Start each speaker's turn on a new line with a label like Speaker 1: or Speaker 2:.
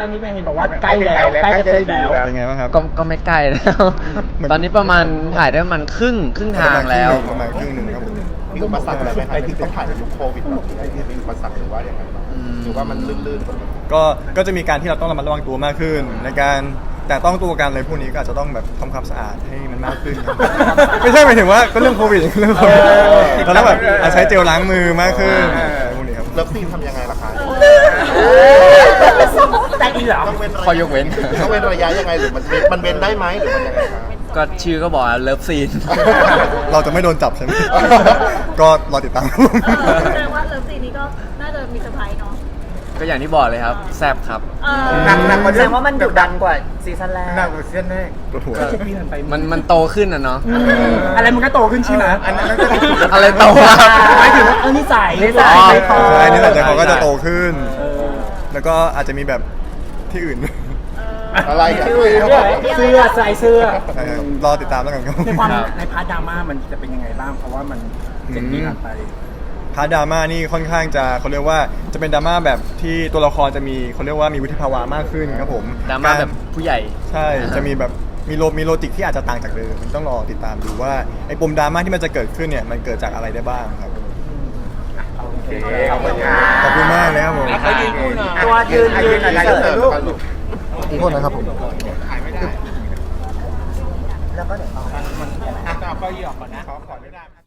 Speaker 1: ตอนนี้เห็นบอกว่าใกล้แล้วใกล้จะเสร็จแล้ว
Speaker 2: เป็นไงบ้างครับ
Speaker 3: ก็ไม่ใกล้แล้ว ตอนนี้ประมาณถ่ายได้ประมาณครึ่งทางแล้ว
Speaker 2: ประมาณครึ่งหนึ่งครับผม
Speaker 4: มีอุปสรรคอะไรไหมครับที่ต้องผ่านในยุคโควิดแบบนี้ที่มีอุปสรรคหรือว่าอย่างไรบ้างหรือว่ามันลื่นๆ
Speaker 2: ก็จะมีการที่เราต้องระมัดระวังตัวมากขึ้น ในการแต่ต้องตัวกันเลยพวกนี้ก็อาจจะต้องแบบทำความสะอาดให้มันมากขึ้นครับ ไม่ใช่หมายถึงว่าก็เรื่องโควิดเรื่องโควิดเราต้องแบบใช้เจลล้างมือมากขึ้นพวกนี้ครับ
Speaker 4: เลิฟซีนทำยังไงล่ะคะ
Speaker 1: ใจดีเหรอ
Speaker 4: ต้องเว้นระ
Speaker 3: ข้อยกเว้น
Speaker 4: ต้องเว้นระยะยังไงหรือมันเว้นได้ไหมหรือมันยังไงคะ
Speaker 3: ก็ชื่อก็บอกเลิฟซีน
Speaker 2: เราจะไม่โดนจับใช่ไหม ก็รอติดตาม
Speaker 5: แสดงว่าเลิฟซีนนี้ก็น่าจะมีเซอร์ไพรส์เนาะ
Speaker 3: ก็อย่างที่บอกเลยครับแซบครับ
Speaker 1: หนักกว่า
Speaker 6: แสดงว่ามันดุดันกว่าซีซั่นแรก
Speaker 1: หนักกว่าซีซั่นแรก
Speaker 2: ปวดหัว
Speaker 1: 7 ปีผ่านไป
Speaker 3: มันโตขึ้นนะเนาะ
Speaker 1: อะไรมันก็โตขึ้นใช่ไหม
Speaker 3: อะไรโตครับ
Speaker 1: หมายถึงว่านิสัย
Speaker 6: นิสัย
Speaker 1: ใจคอ
Speaker 2: ใช่นี่แหละใจเขาก็จะโตขึ้น แล้วก็อาจจะมีแบบที่อื่น
Speaker 4: อะไรกัน
Speaker 1: เสื้อใส่เสื้อ
Speaker 2: ใช่ครับรอติดตามแล้วกันครับ
Speaker 1: ในความ
Speaker 3: ครับ
Speaker 1: ในพาร์ทดราม่ามันจะเป็นยังไงบ้างเพราะว่ามัน7 ปีผ่านไป
Speaker 2: พาร์ทดราม่านี่ค่อนข้างจะเขาเรียกว่าจะเป็นดราม่าแบบที่ตัวละครจะมีเขาเรียกว่ามีวุฒิภาวะมากขึ้นครับผม
Speaker 3: ดราม่าแบบผู้ใหญ่
Speaker 2: ใช่จะมีแบบมีโลจิกที่อาจจะต่างจากเดิมต้องรอติดตามดูว่าไอ้ปมดราม่าที่มันจะเกิดขึ้นเนี่ยมันเกิดจากอะไรได้บ้างครับ
Speaker 1: โอเคขอบคุณครับ
Speaker 2: ขอบคุณมากเลยครับผม
Speaker 6: ตัวยืนเสิร์ฟลูก
Speaker 2: ขอโทษนะครับผม
Speaker 6: แล้วก็เดี๋ยวต่อ
Speaker 1: ก็ยี่ออกก่อนนะขอไม่ได้